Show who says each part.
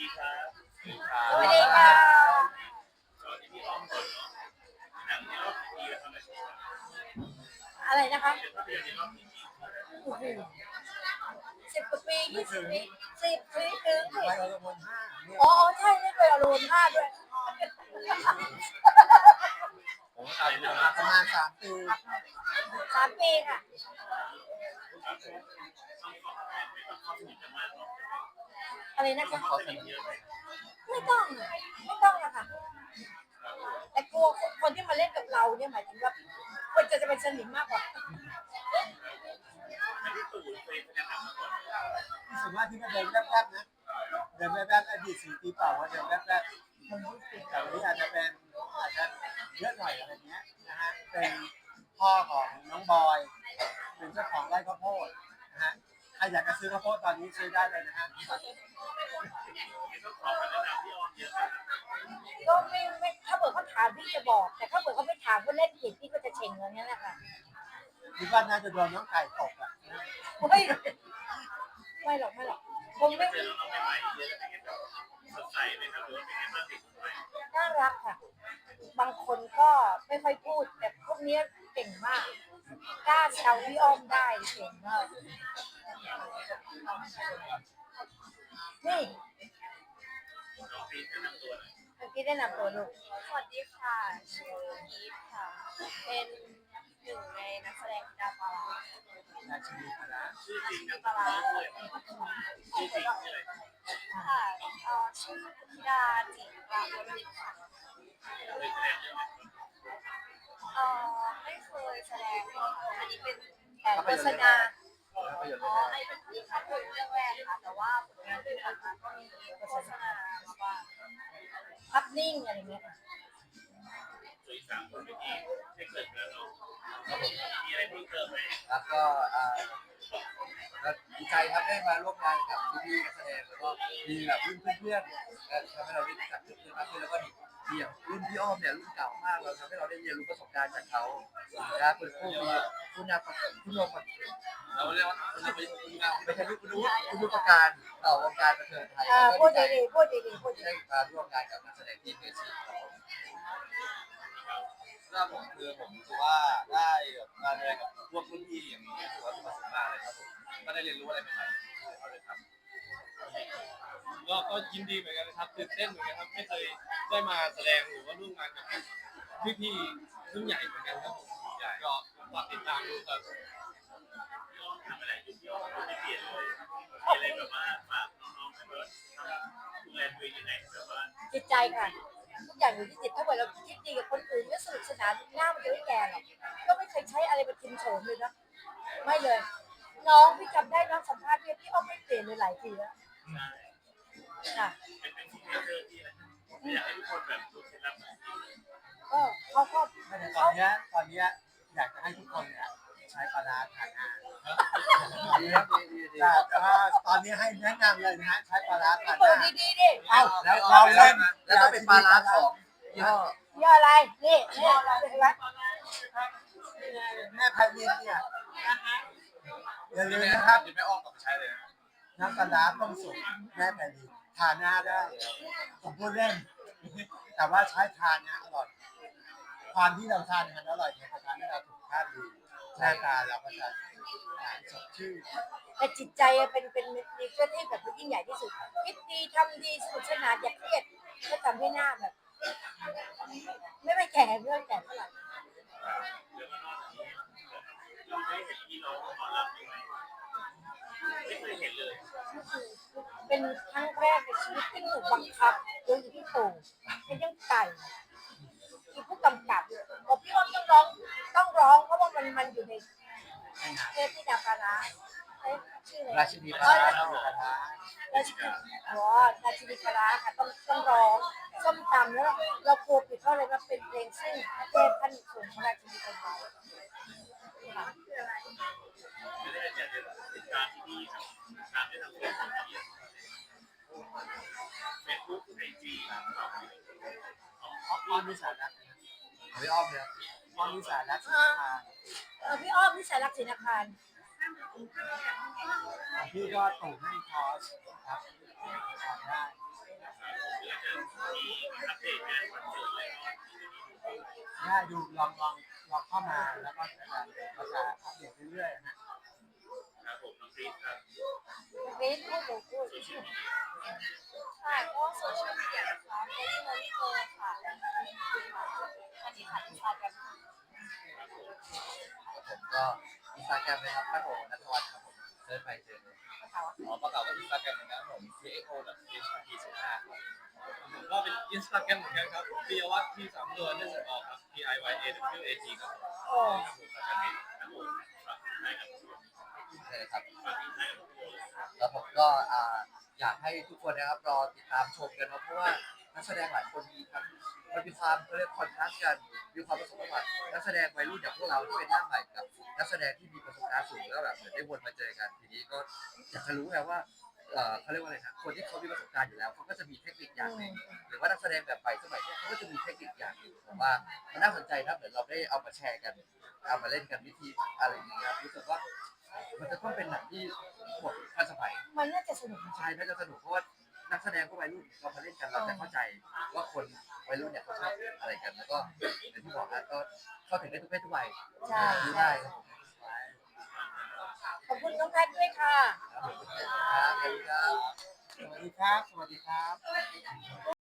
Speaker 1: ดีครับ
Speaker 2: สวัสดีค่ะ
Speaker 1: สวัสดีพี่อ้อมก่อนเนาะหนังที่รอบกี่ปีแล้วครับเนี่ย
Speaker 2: อะไรนะคะ
Speaker 1: เป็นภาพยนตร์ในรอบกี่ปี
Speaker 2: โอ้โห10 กว่าปี20 ปี10 ปีถึงสิ
Speaker 3: ไปอรมนห้าเนี่ย
Speaker 2: อ๋อใช่นี่เป็นอารมณ์5ด้วย
Speaker 1: ผมตายแล้วนะ
Speaker 3: ประมาณ3 ปี
Speaker 2: 3 ปีค่ะ
Speaker 1: ครับผมไม่ต้องเข้าสนิทกันมากหรอก
Speaker 2: อะไรนะคะ
Speaker 1: เข้าสนิทเยอะไหม
Speaker 2: ไม่ต้องอะค่ะแต่กลัวคนที่มาเล่นกับเราเนี่ยหมายถึงว่าควรจะเป็นสนิมมากกว่า
Speaker 1: อันนี้ตู่เคยแสดงหนังมาก่อน
Speaker 3: ส่วนมากที่มาเดินแวบๆนะเดินแวบๆอดีต4 ปีเปล่าว่าเดินแวบๆแต่วันนี้อาจจะเยอะหน่อยอะไรเงี้ยนะฮะเป็นพ่อของน้องบอยเป็นเจ้าของไร่ข้าวโพดนะฮะใครอยากจะซื้อข้าวโพดตอนนี้ซื้อได้เลยนะฮะ
Speaker 1: นี่ต้องขอคำแนะนำพี่อ้อมเยอะนะ
Speaker 2: ก็ไม่ถ้าเกิดเขาถามพี่จะบอกแต่ถ้าเกิดเขาไม่ถามก็เล่นผิดพี่ก็จะเฉ่งอย่างนี้แหละค่ะ
Speaker 3: คิดว่าน่าจะโดนน้องไก่ตกอ่ะ
Speaker 2: ไม่หรอกคงไม่
Speaker 1: เจอน้องใหม่ๆเยอะเป็นไงแบบสดใสไหมครับหรือว่าเป็นไงบ้างเด็กใหม่
Speaker 2: น่ารักค่ะบางคนก็ไม่ค่อยพูดแต่พวกนี้เก่งมากกล้าแซวพี่อ้อมได้เก่งมากนี่
Speaker 1: น้องพีทแนะนำตัวหน่อย
Speaker 2: เมื่อกี้ได้นำตัวลูก
Speaker 4: สวัสดีค่ะชื่ออีฟค่ะ เป็นหนึ่งในนักแสดงดาวปลาร้า
Speaker 3: ราชินีพละ
Speaker 1: ชื่อจริงนะปลาร้าด้วยชื่อจริงชื่ออะไร
Speaker 4: ค่ะชื่อธิดาจิตราบุริค่ะ
Speaker 1: เคยแสดงเรื่องไหน
Speaker 4: ไม่เคยแสดงค่ะอันนี้เป็น
Speaker 2: แต่โฆษณา
Speaker 3: ภาพยนตร์
Speaker 4: อั
Speaker 3: เรื่องแรก
Speaker 4: นนี้เป็นที่ภาพยนตร์เรื่องแรกค่ะ แต่ว่าผลงานที่ผ่านมาก็มีโฆษณามาบ้าง
Speaker 2: ภาพนิ่งอะไรเงี้ยค่ะ
Speaker 1: สวย3 คนเมื่อกี้ได้เกิดแล้วเนาะมีอะไรเพิ่มเติมไหม
Speaker 3: แล้วก็ดีใจครับได้มาร่วมงานกับพี่ๆนักแสดงแล้วก็มีแบบรุ่นเพื่อนๆทำให้เราได้รู้จักเพื่อนๆมากขึ้นแล้วก็มีอย่างรุ่นพี่อ้อมเนี่ยรุ่นเก่ามากเราทำให้เราได้เรียนรู้ประสบการณ์จากเขานะเป็นผู้มีผู้นำผู้นำเราเรียกว่าผู้นำไม่ใช่ผู้รู้ประการต่อวงการบันเทิงไทย
Speaker 2: พูดดีๆพูด
Speaker 3: ได้มาร่วมงานกับนักแสดงที่มืออาชีพถ้าผมรู้สึกว่าได้มาเรียนกับพวกรุ่นพี่อย่างนี้ถือว่าเป็นประสบการณ์เลยครับผมก็ได้เรียนรู้อะไรใหม่ๆเอาเลยครับ
Speaker 5: ก็ยินดีเหมือนกันนะครับตื่นเต้นเหมือนกันครับไม่เคยได้มาแสดงหรือว่าร่วมงานกับพี่ๆรุ่นใหญ่เหมือนกันครับผมก็ฝากติดตามดูครับ
Speaker 1: พี่อ้อมทำอะไรอยู่พี่อ้อมไม่เปลี่ยนเลยมีอะไรแบบว่าฝากน้องๆให้แบบดูแลตัวเองยังไงแบบว่า
Speaker 2: จิตใจค่ะทุกอย่างอยู่ที่จิตถ้าเกิดเราคิดดีกับคนอื่นก็สนุกสนานหน้ามันจะไม่แก่หรอกก็ไม่เคยใช้อะไรมาทิมโฉมเลยนะไม่เลยน้องพี่จำได้น้องสัมภาษณ์พี่อ้อมไม่เปลี่ยนเลยหลายทีแล้วค่ะ
Speaker 1: เป็นสิ่งที่เจอที่นะอยากให้ทุกคนแบบดูเคล็ดลับ
Speaker 2: ก็เขาก็
Speaker 3: ตอนนี้อยากจะให้ทุกคนเนี่ยใช้ปลาร้าทานอาหารตอนนี้ให้แนะนำเลยนะฮะใช้ปลาร้าทานอาหาร
Speaker 2: ดีๆดิ
Speaker 3: เอ้าแล้วเราเล่นแล้วต้องเป็นปลาร้าของ
Speaker 2: ย่ออะไรนี่เห็นไหม
Speaker 3: แม่พายเย็นเนี่ยอย่าลืมนะครับ
Speaker 5: ไม่อ้อมกลับมาใช้เลย
Speaker 3: น้ำปลาร้าต้มสุกแม่พายเย็นทานหน้าได้ผมพูดเล่นแต่ว่าใช้ทานนะอร่อยความที่เราทานมันอร่อยเนี่ยจะทำให้เราสุขภาพดีหน้าตาเราก็จะสดชื่น
Speaker 2: แต่จิตใจเป็นมีเพื่อนที่แบบยิ่งใหญ่ที่สุดคิดดีทำดีสนุกสนานอย่าเครียดก็ทำให้หน้าแบบไม่แก่เรื่องแก่เท่าไหร่
Speaker 1: เราได้เห็นพี่น้องหมอลำยังไงไม่เคยเห็นเลย
Speaker 2: เป็นครั้งแรกในชีวิตที่ถูกบังคับโดยพี่ตู่เป็นยังไก่ที่ผู้กำกับบอกพี่อ้อมต้องร้องเพราะว่ามันอยู่ในเทปที่ดาปาราชื่ออะไร
Speaker 3: ราชินีปลาร้า
Speaker 2: ราชินีราชินีปลาร้าค่ะต้องร้องส้มตำแล้วเรากลัวผิดเพราะอะไรมันเป็นเพลงซึ่งเทพท่านสูงราชินีปลาร้า
Speaker 1: ไม่ได้อยากจะติดตามที่นี่ครับตามได้ทางเฟซบุ๊กไอจี
Speaker 3: อ้อมนิสารักพี่อ้อมเนี่ยอ้อมนิสารัก
Speaker 2: พี่อ้อมนิสารักศิลปา
Speaker 3: พี่ก็ส่งให้คอร์สครับได้
Speaker 1: มีอัปเดตงานคอนเสิร์ตอะไรบ้าง
Speaker 3: ได้ดูลองเข้ามาแล้วก็จะอัปเดตเรื่อยๆนะครับ
Speaker 1: ผมน้องคริสครับ
Speaker 2: เบสพูดหนูพูด
Speaker 1: โซเชียลมีเดีย
Speaker 4: ค่ะก็โซเชียลมีเดียนะคะเฟซบุ๊กเกอร์ค่ะอันนี้ค่ะอินสตาแกรม
Speaker 3: ผมก็อินสตาแกรมเลยครับป้าโอนัทวัฒน์ครับผมเซิร์ชไปเจอเลย
Speaker 5: อ๋อประกาศว่าอินสตาแกรมเหมือนกันครับผม PXO.HT15 ครับผมก็เป็นอินสตาแกรมเหมือนกันครับปิยวัฒน์ที่3ตัวได้สออกครับ PIYAWAT ครับผม
Speaker 2: โอ้
Speaker 1: ครับผมฝากให้กับทุกคน
Speaker 3: ใช่ครับ
Speaker 1: ฝากให้กับทุกคน
Speaker 3: แล้วผมก็อยากให้ทุกคนนะครับรอติดตามชมกันเนาะเพราะว่านักแสดงหลายคนมีทั้งมันมีความเขาเรียกคอนทราสต์กันมีความผสมผสานนักแสดงวัยรุ่นอย่างพวกเราที่เป็นหน้าใหม่กับนักแสดงที่มีประสบการณ์สูงแล้วแบบเหมือนได้วนมาเจอกันทีนี้ก็อยากจะรู้ไงว่าเขาเรียกว่าอะไรนะคนที่เขามีประสบการณ์อยู่แล้วเขาก็จะมีเทคนิคอย่างหนึ่งหรือว่านักแสดงแบบใหม่สมัยนี้เขาก็จะมีเทคนิคอย่างหนึ่งผมว่ามันน่าสนใจนะเหมือนเราได้เอามาแชร์กันเอามาเล่นกันวิธีอะไรอย่างเงี้ยรู้สึกว่ามันจะต้องเป็นหนังที่หมดทันสมัย
Speaker 2: มันน่าจะสนุก
Speaker 3: ใช่น่าจะสนุกเพราะว่านักแสดงก็วัยรุ่นเรามาเล่นกันเราจะเข้าใจว่าคนวัยรุ่นเนี่ยเขาชอบอะไรกันแล้วก็อย่างที่บอกนะก็เข้าถึงได้ทุกเพศทุกวัย
Speaker 2: ใช่
Speaker 3: ดูได้ครับผม
Speaker 2: ขอบคุณน้องแพทด้วยค่ะ
Speaker 3: ครับสวัสดีครับ สวัสดีครับ สวัสดีครับ